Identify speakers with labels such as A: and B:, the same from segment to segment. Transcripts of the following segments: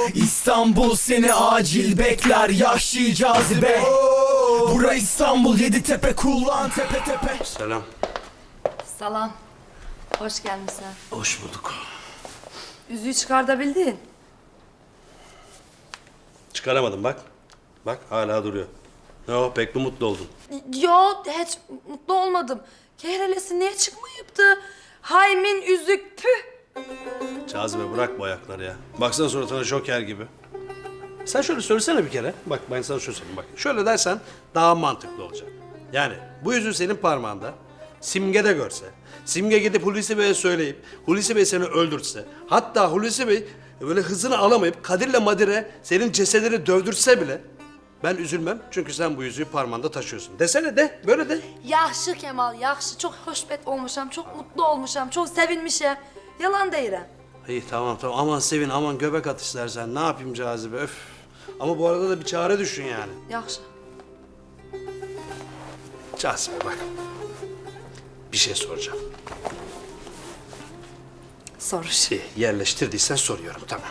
A: İstanbul seni acil bekler, yahşi cazibe. Bura İstanbul, Yeditepe, kullan tepe tepe.
B: Selam.
C: Salam. Hoş gelmişsin.
B: Hoş bulduk.
C: Yüzüğü çıkartabildin.
B: Çıkaramadım bak. Bak hala duruyor. Ne o, pek mi mutlu oldun?
C: Yo, hiç mutlu olmadım. Kehrelesi niye çıkmayıptı? Haymin yüzük, tüh.
B: Cazibe bırak bu ayakları ya. Baksana suratına Joker gibi. Sen şöyle söylesene bir kere. Bak ben sana şöyle söyleyeyim bak. Şöyle dersen daha mantıklı olacak. Yani bu yüzüğü senin parmağında Simge de görse, Simge gidip Hulusi Bey'e söyleyip Hulusi Bey seni öldürtse, hatta Hulusi Bey böyle hızını alamayıp Kadir'le Madir'e senin cesedini dövdürse bile ben üzülmem. Çünkü sen bu yüzüğü parmağında taşıyorsun. Desene de, böyle de.
C: Yaxşı Kemal, yaxşı. Çok hoşbet olmuşam, çok mutlu olmuşam, çok sevinmişim. Yalan deyirəm.
B: İyi tamam aman sevin aman göbek at istersen ne yapayım Cazibe öf. Ama bu arada da bir çare düşün yani.
C: Yaxşı.
B: Cazibe bak. Bir şey soracağım.
C: Soruş.
B: İyi, yerleştirdiysen soruyorum tamam.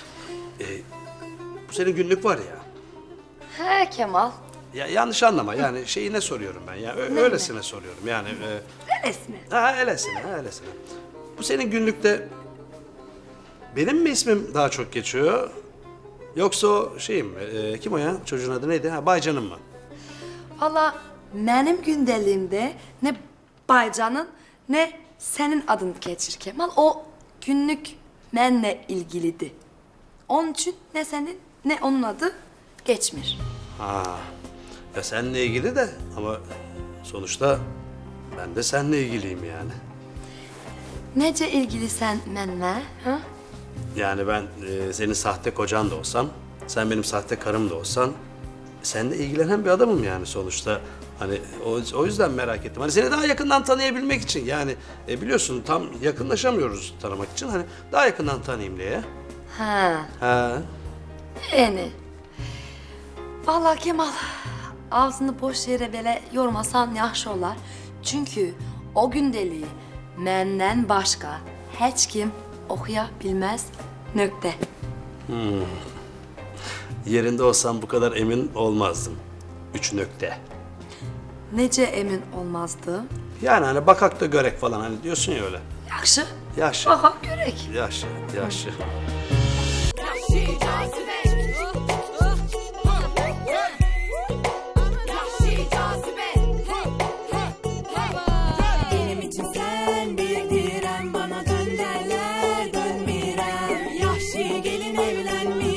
B: Bu senin günlük var ya.
C: He Kemal.
B: Ya yanlış anlama yani şeyine soruyorum ben ya. Öylesine soruyorum yani.
C: Öylesine.
B: Öylesine. Bu senin günlükte benim mi ismim daha çok geçiyor? Yoksa o şeyim mi? Kim o ya? Çocuğun adı neydi? Ha, Baycan'ın mı?
C: Valla benim gündeliğimde ne Baycan'ın ne senin adın geçir Kemal. O günlük benle ilgiliydi. Onun için ne senin ne onun adı geçmir.
B: Ha. Ya seninle ilgili de ama sonuçta ben de seninle ilgiliyim yani.
C: Nece ilgili sen benle? Ha?
B: Yani ben senin sahte kocan da olsam, sen benim sahte karım da olsan, seninle ilgilenen bir adamım yani sonuçta. Hani o yüzden merak ettim. Hani seni daha yakından tanıyabilmek için yani biliyorsun tam yakınlaşamıyoruz tanımak için. Hani daha yakından tanıyayım diye.
C: Ha.
B: Ha.
C: Yani. Vallahi Kemal, ağzını boş yere böyle yormasan yaxşı olar. Çünkü o gündeliği menden başka hiç kim okuyabilmez. Nökte.
B: Yerinde olsam bu kadar emin olmazdım. 3 nokta.
C: Nece emin olmazdı.
B: Yani hani bakak da görek falan hani diyorsun ya öyle.
C: Yaxşı.
B: Yaşlı.
C: Aha görek.
B: Yaşlı.
D: Yahşi cazibe. Yahşi cazibe. Benim için sen bir direm, bana dön derler dönmirem. Yahşi gelin evlenmiş.